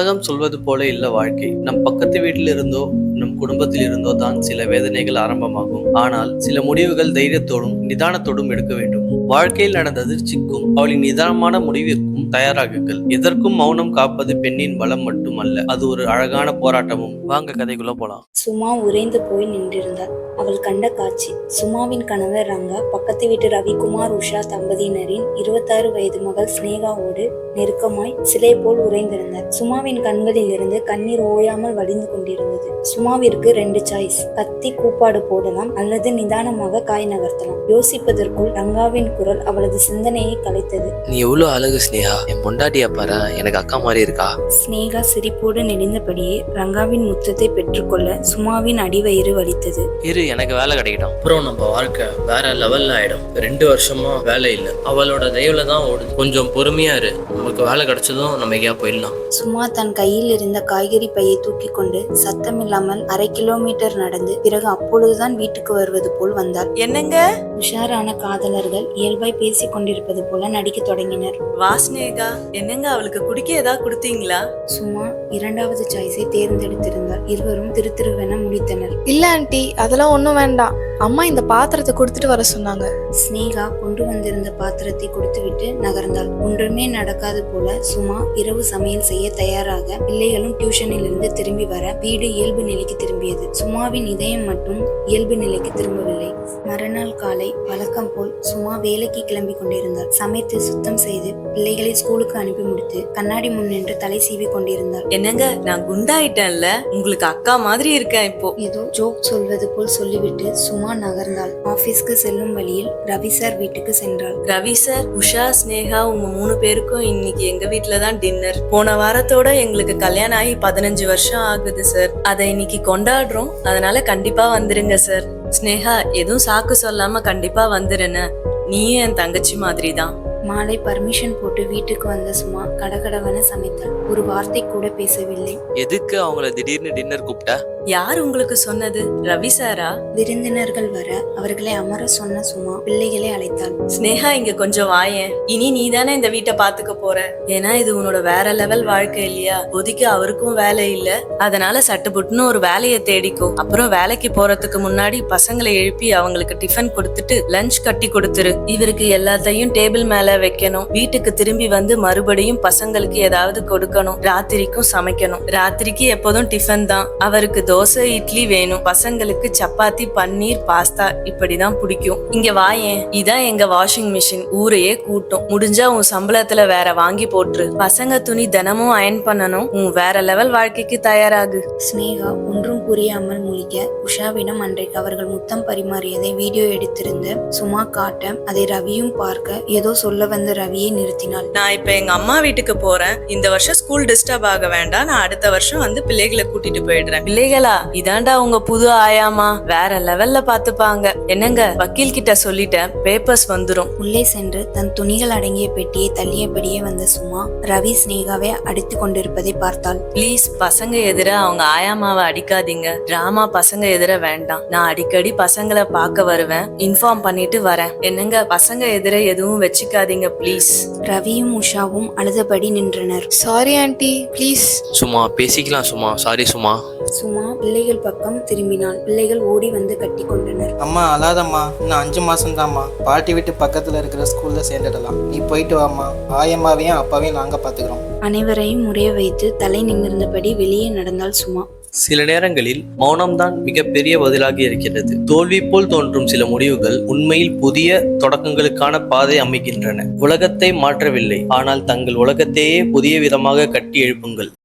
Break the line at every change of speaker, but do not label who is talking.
உலகம் சொல்வது போல இல்ல வாழ்க்கை. நம் பக்கத்து வீட்டில் இருந்தோ நம் குடும்பத்தில் இருந்தோ தான் சில வேதனைகள் ஆரம்பமாகும். ஆனால் சில முடிவுகள் தைரியத்தோடும் நிதானத்தோடும் எடுக்க வேண்டும். வாழ்க்கையில் நடந்த அதிர்ச்சிக்கும் அவளின் நிதானமான முடிவிற்கும் தயாராகுங்கள். எதற்கும் மௌனம் காப்பது பெண்ணின் பலம் மட்டுமல்ல, அது ஒரு அழகான போராட்டமும். வாங்க கதைக்குள்ள போலாம்.
சுமா உறைந்து போய் நின்றிருந்தாள். அவள் கண்ட காட்சி. சுமாவின் கணவர் ரங்கா பக்கத்து வீட்டு ரவிக்குமார் உஷா தம்பதியினரின் 26 வயது மகள் ஸ்னேகாவோடு நெருக்கமாய் சிலை போல் உறைந்திருந்தார். சுமாவின் கண்களில் இருந்து கண்ணீர் ஓயாமல் வடிந்து கொண்டிருந்தது. சுமாவிற்கு 2 சாய்ஸ்: கத்தி கூப்பாடு போடலாம் அல்லது நிதானமாக காய் நகர்த்தலாம். யோசிப்பதற்குள் ரங்காவின் குரல் அவளது சிந்தனையை கலைத்தது.
நீ எவ்வளவு அழகு ஸ்னேகா, என் பொண்டாட்டியா பாரு, எனக்கு அக்கா மாதிரி இருக்கா.
ஸ்னேகா சிரிப்போடு நெளிந்தபடியே ரங்காவின் முத்தத்தை பெற்றுக்கொள்ள சுமாவின் அடிவயிறு வலித்தது.
எனக்கு வேலை கிடைக்கட்டும், அப்புறம் நம்ம வாழ்க்கை வேற லெவல்ல ஆயிடும். 2 வருஷமா வேலை இல்ல, அவளோட தயவுல தான் ஓடுது. கொஞ்சம் பொறுமையா இரு, நமக்கு வேலை கிடைச்சதும் நம்ம எங்கேயா போயிடலாம்.
சுமா தன் கையில் இருந்த காய்கறி பையை தூக்கி கொண்டு சத்தமில்லாமல் 1/2 கிலோமீட்டர் நடந்து பிறகு அப்பொழுதுதான் வீட்டுக்கு வருவது போல் வந்தார்.
என்னங்க?
உஷாரான காதலர்கள் இயல்பாய் பேசிக் கொண்டிருப்பது போல நடிக்க தொடங்கினர்.
வாஸ்னேகா, என்னங்க அவளுக்கு குடிக்க ஏதாவது கொடுத்தீங்களா?
சுமா 2வது சாய்ஸை தேர்ந்தெடுத்திருந்தார். இருவரும் திருத்திருவென முடித்தனர்.
இல்ல ஆண்டி, அதெல்லாம் ஒண்ணும் வேண்டாம். அம்மா இந்த பாத்திரத்தை கொடுத்துட்டு வர சொன்னாங்க.
ஸ்னேகா கொண்டு வந்திருந்த பாத்திரத்தை கொடுத்துவிட்டு நகர்ந்தாள். ஒன்றுமே நடக்காது போல சுமா இரவு சமையல் செய்ய தயாராக. பிள்ளைகளும் டியூஷனில் இருந்து திரும்பி வர வீடு இயல்பு நிலைக்கு திரும்பியது. சுமாவின் இதயம் மட்டும் இயல்பு நிலைக்கு திரும்பவில்லை. மறுநாள் காலை வழக்கம் போல் சுமா வேலைக்கு கிளம்பி கொண்டிருந்தாள். சமைத்து சுத்தம் செய்து பிள்ளைகளை ஸ்கூலுக்கு அனுப்பி முடித்து கண்ணாடி முன் நின்று தலை சீவி கொண்டிருந்தாள்.
என்னங்க, நான் குண்டாயிட்டேன்ல, உங்களுக்கு அக்கா மாதிரி இருக்கேன் இப்போ.
ஏதோ ஜோக் சொல்வது போல் சொல்லிவிட்டு சுமா நகர்ந்தாள். ஆபீஸ்க்கு செல்லும் வழியில் ரவி சார் வீட்டுக்கு சென்றாள்.
ரவி சார், உஷா, ஸ்னேகா, உங்க 3 பேருக்கும் இன்னைக்கு எங்க வீட்டுல தான் டின்னர். போன வாரத்தோட எங்களுக்கு கல்யாணம் ஆகி 15 வருஷம் ஆகுது சார். அதை இன்னைக்கு கொண்டாடுறோம், அதனால கண்டிப்பா வந்துருங்க சார். ஸ்னேகா, எதுவும் சாக்கு சொல்லாம கண்டிப்பா வந்துருன்னு. நீயும் என் தங்கச்சி மாதிரி தான்.
மாலை பர்மிஷன் போட்டு வீட்டுக்கு வந்த சுமா கடகடவென சமைத்தாள். ஒரு வார்த்தை கூட பேசவில்லை.
எதுக்கு அவங்கள திடீர்னு டின்னர் கூப்பிட்ட?
யார் உங்களுக்கு சொன்னது? ரவி சாரா?
விருந்தினர்கள் வர அவர்களை அமர சொன்ன சுமா பிள்ளைகளை அழைத்தாள்.
ஸ்னேகா, இங்க கொஞ்சம் வாயேன். இனி நீ தானே இந்த வீட்டை பாத்துக்க போற. ஏன்னா இது உன்னோட வேற லெவல் வாழ்க்கை இல்லையா? ஒதுக்கி அவருக்கும் வேலை இல்ல, அதனால சட்டுப்புட்டுன்னு ஒரு வேலையை தேடிக்கோ. அப்புறம் வேலைக்கு போறதுக்கு முன்னாடி பசங்களை எழுப்பி அவங்களுக்கு டிஃபன் கொடுத்துட்டு லஞ்ச் கட்டி கொடுத்துரு. இவருக்கு எல்லாத்தையும் டேபிள் மேல வைக்கணும். வீட்டுக்கு திரும்பி வந்து மறுபடியும் பசங்களுக்கு ஏதாவது கொடுக்கணும். ராத்திரிக்கும் சமைக்கணும். ராத்திரிக்கு எப்போதும் டிஃபன் தான். அவருக்கு தோசை இட்லி வேணும். பசங்களுக்கு சப்பாத்தி, பன்னீர், பாஸ்தா இப்படிதான் பிடிக்கும். இங்க வாயேன், இதான் எங்க வாஷிங் மிஷின். ஊரையே கூட்டும். முடிஞ்சா உன் சம்பளத்துல வேற வாங்கி போட்டுரு. பசங்க துணி தினமும் அயன் பண்ணணும். உன் வேற லெவல் வாழ்க்கைக்கு தயாராகு.
ஸ்னேகா ஒன்றும் புரியாமல் முழிக்க உஷாவிடம் அன்றைக்கு அவர்கள் முத்தம் பரிமாறியதை வீடியோ எடுத்திருந்த சுமா காட்ட அதை ரவியும் பார்க்க ஏதோ சொல்ல வந்த ரவியை நிறுத்தினாள்.
நான் இப்ப எங்க அம்மா வீட்டுக்கு போறேன். இந்த வருஷம் ஸ்கூல் டிஸ்டர்ப் ஆக வேண்டாம். நான் அடுத்த வருஷம் வந்து பிள்ளைகளை கூட்டிட்டு போயிடுறேன். பிள்ளைகளா, இதாண்டா உங்க புது ஆயாமா, வேற லெவல்ல பாத்துப்பாங்க. என்னங்க, வக்கீல் கிட்ட சொல்லிட்டேன், பேப்பர்ஸ் வந்துரும்.
உள்ளே சென்று தன் துணிகள் அடங்கிய பெட்டியை தள்ளியபடியே வந்த சுமா ரவி ஸ்னேகாவை அடித்து கொண்டிருப்பதை பார்த்தாள்.
ப்ளீஸ், பசங்க எதிர அவங்க ஆயாமாவை அடிக்காதீங்க. டிராமா பசங்க எதிர வேண்டாம். நான் அடிக்கடி பசங்களை பார்க்க வருவேன், இன்ஃபார்ம் பண்ணிட்டு வரேன். என்னங்க, பசங்க எதிர எதுவும் வச்சுக்காதீங்க ப்ளீஸ்.
ரவியும் உஷாவும் அழுதபடி நின்றனர்.
Sorry aunty, please.
சும்மா பேசிக்கலாம் சும்மா. சாரி சும்மா.
சுமா பிள்ளைகள் பக்கம் திரும்பினாள். பிள்ளைகள் ஓடி வந்து கட்டி கொண்டனர்.
அம்மா அழாதம்மா, இன்னும் 5 மாசம் தான்மா. பாட்டி வீட்டு பக்கத்துல இருக்கிற ஸ்கூல்ல சேர்ந்துடலாம். நீ போயிட்டு வாமா. ஆயம்மாவையும் அப்பாவையும் நாங்க பாத்துக்கிறோம்.
அனைவரையும் முறைய வைத்து தலை நிமிர்ந்தபடி வெளியே நடந்தாள் சுமா.
சில நேரங்களில் மௌனம்தான் மிகப்பெரிய பதிலாக இருக்கிறது. தோல்வி போல் தோன்றும் சில முடிவுகள் உண்மையில் புதிய தொடக்கங்களுக்கான பாதை அமைக்கின்றன. உலகத்தை மாற்றவில்லை, ஆனால் தங்கள் உலகத்தையே புதிய விதமாக கட்டி எழுப்புங்கள்.